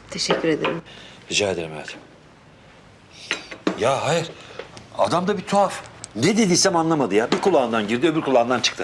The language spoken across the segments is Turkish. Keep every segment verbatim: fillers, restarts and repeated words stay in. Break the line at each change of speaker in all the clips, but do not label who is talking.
Teşekkür ederim.
Rica ederim hayatım. Ya hayır. Adam da bir tuhaf. Ne dediysem anlamadı ya. Bir kulağından girdi, öbür kulağından çıktı.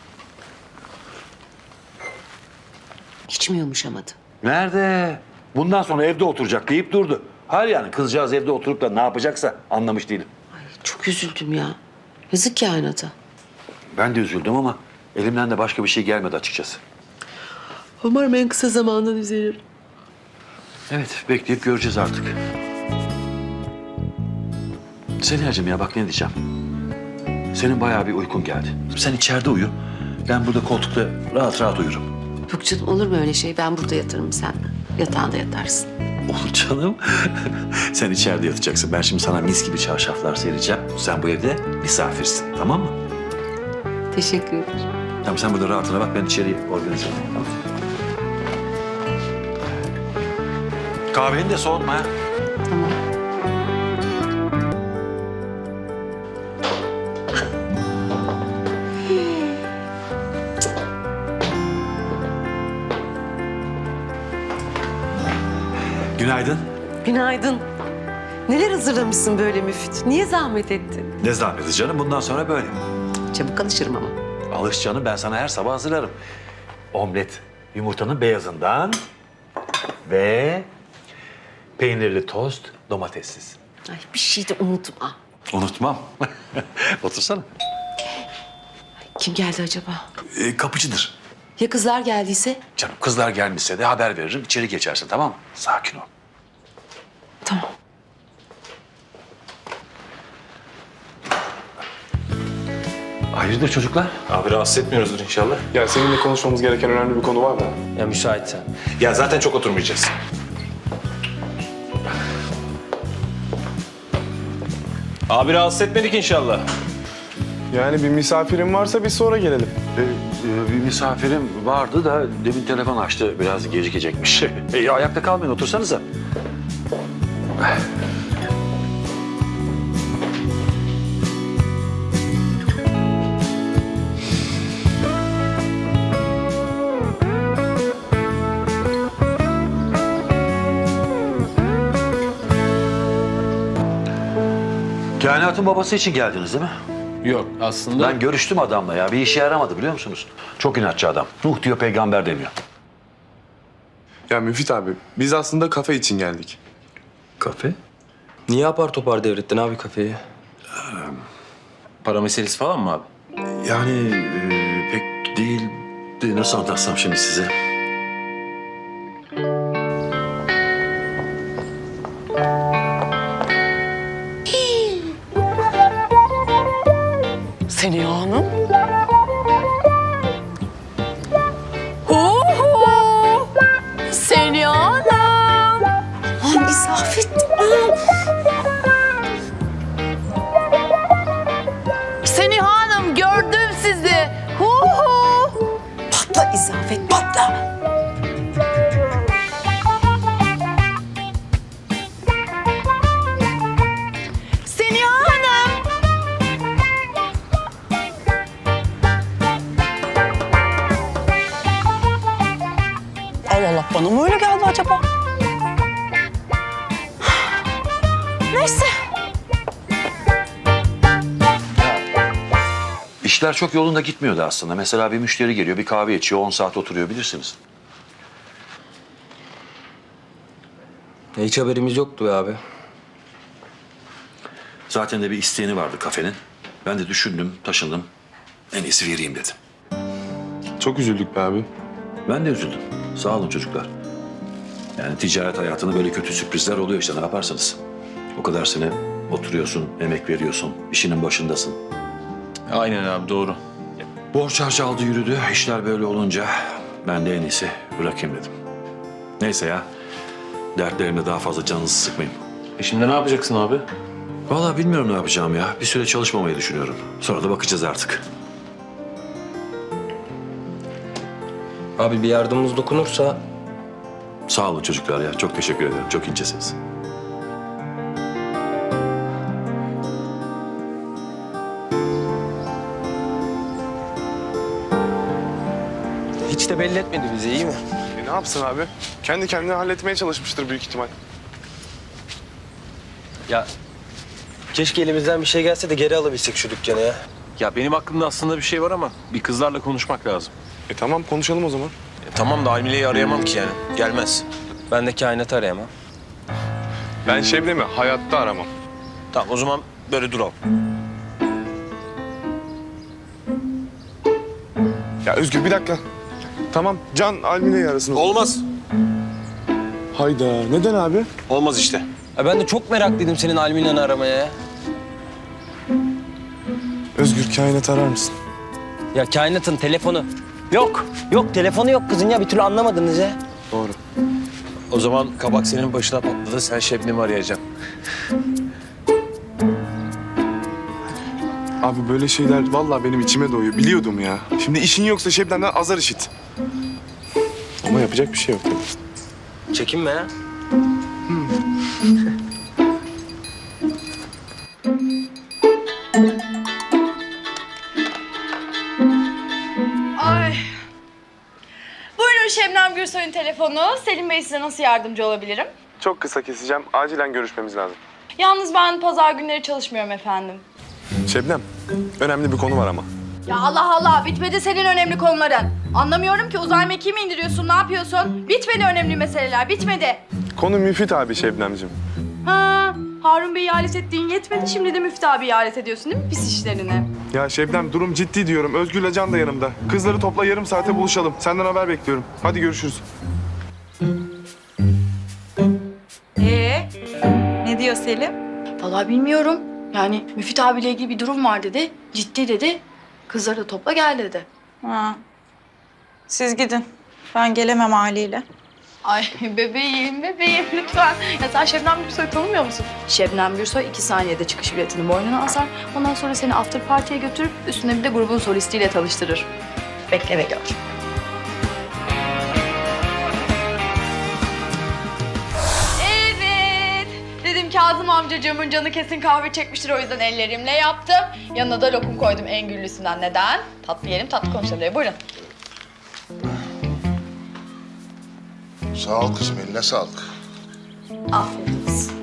Hiç mi yumuşamadı?
Nerede? Bundan sonra evde oturacak deyip durdu. Hayır yani kızcağız evde oturup da ne yapacaksa anlamış değilim.
Ay, çok üzüldüm ya. Yazık kainata.
Ben de üzüldüm ama elimden de başka bir şey gelmedi açıkçası.
Umarım en kısa zamanda düzelir.
Evet, bekleyip göreceğiz artık. Seniyacığım ya bak ne diyeceğim. Senin bayağı bir uykun geldi. Sen içeride uyu. Ben burada koltukta rahat rahat uyurum.
Yok canım, olur mu öyle şey? Ben burada yatarım seninle. Yatağında yatarsın.
Olur canım. Sen içeride yatacaksın. Ben şimdi sana mis gibi çarşaflar sereceğim. Sen bu evde misafirsin, tamam mı?
Teşekkür ederim.
Tamam sen burada rahatına bak, ben içeriye organize olayım. Tamam. Kahveni de soğutma ha.
Tamam.
Günaydın.
Günaydın. Neler hazırlamışsın böyle Müfit? Niye zahmet ettin?
Ne zahmeti canım, bundan sonra böyle.
Çabuk alışırım ama.
Alış canım, ben sana her sabah hazırlarım. Omlet, yumurtanın beyazından ve peynirli tost, domatessiz.
Ay, bir şey de unutma.
Unutmam. Otursana.
Kim geldi acaba?
Ee, kapıcıdır.
Ya kızlar geldiyse?
Canım kızlar gelmişse de haber veririm, içeri geçersin tamam mı? Sakin ol.
Tamam.
Hayırdır çocuklar?
Abi rahatsız etmiyoruzdur inşallah.
Ya seninle konuşmamız gereken önemli bir konu var da.
Ya müsaitsen. Ya zaten çok oturmayacağız. Abi rahatsız etmedik inşallah.
Yani bir misafirin varsa biz sonra gelelim.
Ee, e, bir misafirim vardı da demin telefon açtı, biraz gecikecekmiş. e, ayakta kalmayın, otursanıza. Kainatın babası için geldiniz değil mi?
Yok aslında...
Ben görüştüm adamla ya. Bir işe yaramadı biliyor musunuz? Çok inatçı adam. Nuh diyor, peygamber demiyor.
Ya Müfit abi, biz aslında kafe için geldik.
Kafe?
Niye apar topar devrettin abi kafeyi? Para meselesi falan mı abi?
Yani e, pek değil de nasıl anlatsam şimdi size?
Seniha Hanım. Oho! Seniha Hanım. Aman İsafet.
Seniha Hanım gördüm sizi. Hu hu.
Patla İsafet, patla.
Seniha Hanım.
Allah Allah, bana mı öyle geldi acaba?
Neyse.
İşler çok yolunda gitmiyordu aslında. Mesela bir müşteri geliyor, bir kahve içiyor, on saat oturuyor bilirsiniz.
Hiç haberimiz yoktu be abi.
Zaten de bir isteğini vardı kafenin. Ben de düşündüm, taşındım. En iyisi vereyim dedim.
Çok üzüldük be abi.
Ben de üzüldüm. Sağ olun çocuklar. Yani ticaret hayatında böyle kötü sürprizler oluyor işte, ne yaparsınız? O kadar sene oturuyorsun, emek veriyorsun, işinin başındasın.
Aynen abi doğru.
Borç harcı aldı yürüdü. İşler böyle olunca ben de en iyisi bırakayım dedim. Neyse ya. Dertlerimle daha fazla canınızı sıkmayın.
E şimdi ne yapacaksın abi?
Vallahi bilmiyorum ne yapacağım ya. Bir süre çalışmamayı düşünüyorum. Sonra da bakacağız artık.
Abi bir yardımımız dokunursa...
Sağ olun çocuklar ya. Çok teşekkür ederim. Çok incesiniz.
Hiç de belli etmedi bize, iyi mi?
E ne yapsın abi? Kendi kendine halletmeye çalışmıştır büyük ihtimal.
Ya keşke elimizden bir şey gelse de geri alabilsek şu dükkanı ya.
Ya benim aklımda aslında bir şey var ama bir kızlarla konuşmak lazım.
E tamam konuşalım o zaman.
E, tamam da Almile'yi arayamam ki yani. Gelmez.
Ben de kainatı arayamam.
Ben Şebnem'i hayatta aramam.
Tamam o zaman böyle duralım.
Ya Özgür bir dakika. Tamam Can Almine'yi arasın.
Olmaz.
Hayda neden abi?
Olmaz işte.
Ya ben de çok meraklıydım senin Almina'nı aramaya ya.
Özgür kainat arar mısın?
Ya kainatın telefonu. Yok. Yok telefonu yok kızın ya bir türlü anlamadınız ya.
Doğru.
O zaman kabak senin başına patladı. Sen Şebnem'i arayacaksın.
Abi böyle şeyler vallahi benim içime doğuyor. Biliyordum ya. Şimdi işin yoksa Şebnem'den azar işit. Ama yapacak bir şey yok tabii.
Çekinme ya.
Ay. Buyurun Şebnem Gürsoy'un telefonu. Selim Bey size nasıl yardımcı olabilirim?
Çok kısa keseceğim. Acilen görüşmemiz lazım.
Yalnız ben pazar günleri çalışmıyorum efendim.
Şebnem, önemli bir konu var ama.
Ya Allah Allah, bitmedi senin önemli konuların. Anlamıyorum ki, uzay mekiği mi indiriyorsun, ne yapıyorsun? Bitmedi önemli meseleler, bitmedi.
Konu Müfit abi Şebnemciğim.
Ha, Harun Bey'i alet ettiğin yetmedi, şimdi de Müftü abiyi alet ediyorsun değil mi pis işlerine?
Ya Şebnem durum ciddi diyorum. Özgür'le Can da yanımda. Kızları topla yarım saate buluşalım. Senden haber bekliyorum. Hadi görüşürüz.
Ee, ne diyor Selim?
Vallahi bilmiyorum. Yani Müfit abiyle ilgili bir durum var dedi, ciddi dedi. Kızları da topla gel dedi.
Ha. Siz gidin. Ben gelemem haliyle.
Ay bebeğim, bebeğim lütfen. Ya sen Şebnem Gürsoy'u tanımıyor musun? Şebnem Gürsoy iki saniyede çıkış biletini boynuna asar. Ondan sonra seni after party'ye götürüp üstüne bir de grubun solistiyle tanıştırır. Bekle ve gör. Evet. Dedim Kazım amcacığımın canı kesin kahve çekmiştir, o yüzden ellerimle yaptım. Yanına da lokum koydum en güllüsünden. Neden? Tatlı yiyelim, tatlı konuşalım diye. Buyurun.
Sağ ol kızım, eline sağlık.
Afiyet olsun.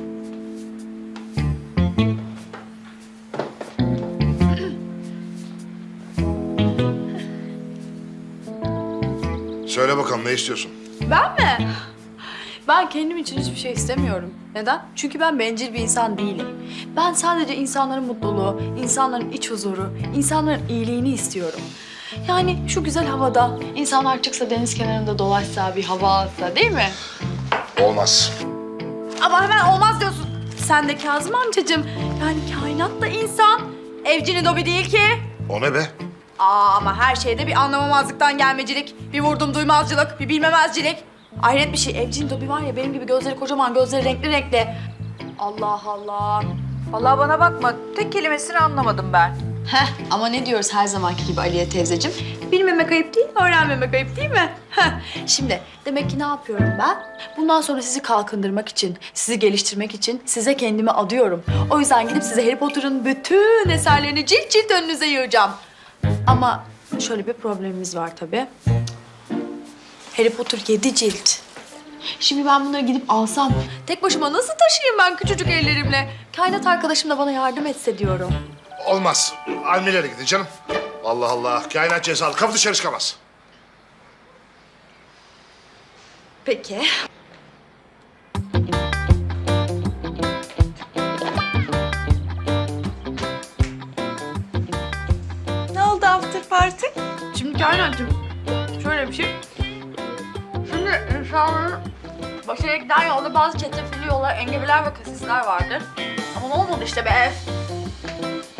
Söyle bakalım, ne istiyorsun?
Ben mi? Ben kendim için hiçbir şey istemiyorum. Neden? Çünkü ben bencil bir insan değilim. Ben sadece insanların mutluluğu, insanların iç huzuru, insanların iyiliğini istiyorum. Yani şu güzel havada insanlar çıksa deniz kenarında dolaşsa, bir hava alsa değil mi?
Olmaz.
Ama hemen olmaz diyorsun. Sen de Kazım amcacığım. Yani kainat da insan. Evcini dobi değil ki.
O ne be?
Aa ama her şeyde bir anlamamazlıktan gelmecilik, bir vurdum duymazcılık, bir bilmemezcilik. Hayret bir şey. Evcin Dobi var ya, benim gibi gözleri kocaman, gözleri renkli renkli. Allah Allah.
Vallahi bana bakma. Tek kelimesini anlamadım ben.
Heh, ama ne diyoruz her zamanki gibi Aliye teyzeciğim? Bilmemek ayıp değil, öğrenmemek ayıp değil mi? Heh, şimdi demek ki ne yapıyorum ben? Bundan sonra sizi kalkındırmak için, sizi geliştirmek için size kendimi adıyorum. O yüzden gidip size Harry Potter'ın bütün eserlerini cilt cilt önünüze yığacağım. Ama şöyle bir problemimiz var tabii. Harry Potter yedi cilt. Şimdi ben bunları gidip alsam tek başıma nasıl taşıyayım ben küçücük ellerimle? Kainat arkadaşım da bana yardım etse diyorum.
Olmaz. Almilere gidin canım. Allah Allah, kainat cezalı. Kapı dışarı çıkamaz.
Peki.
Ne oldu after party?
Şimdi kainatcığım şöyle bir şey. Şimdi insanların başarıya giden yolda bazı çetrefilli yollar, engebeler ve kasisler vardır. Ama ne olmadı işte be.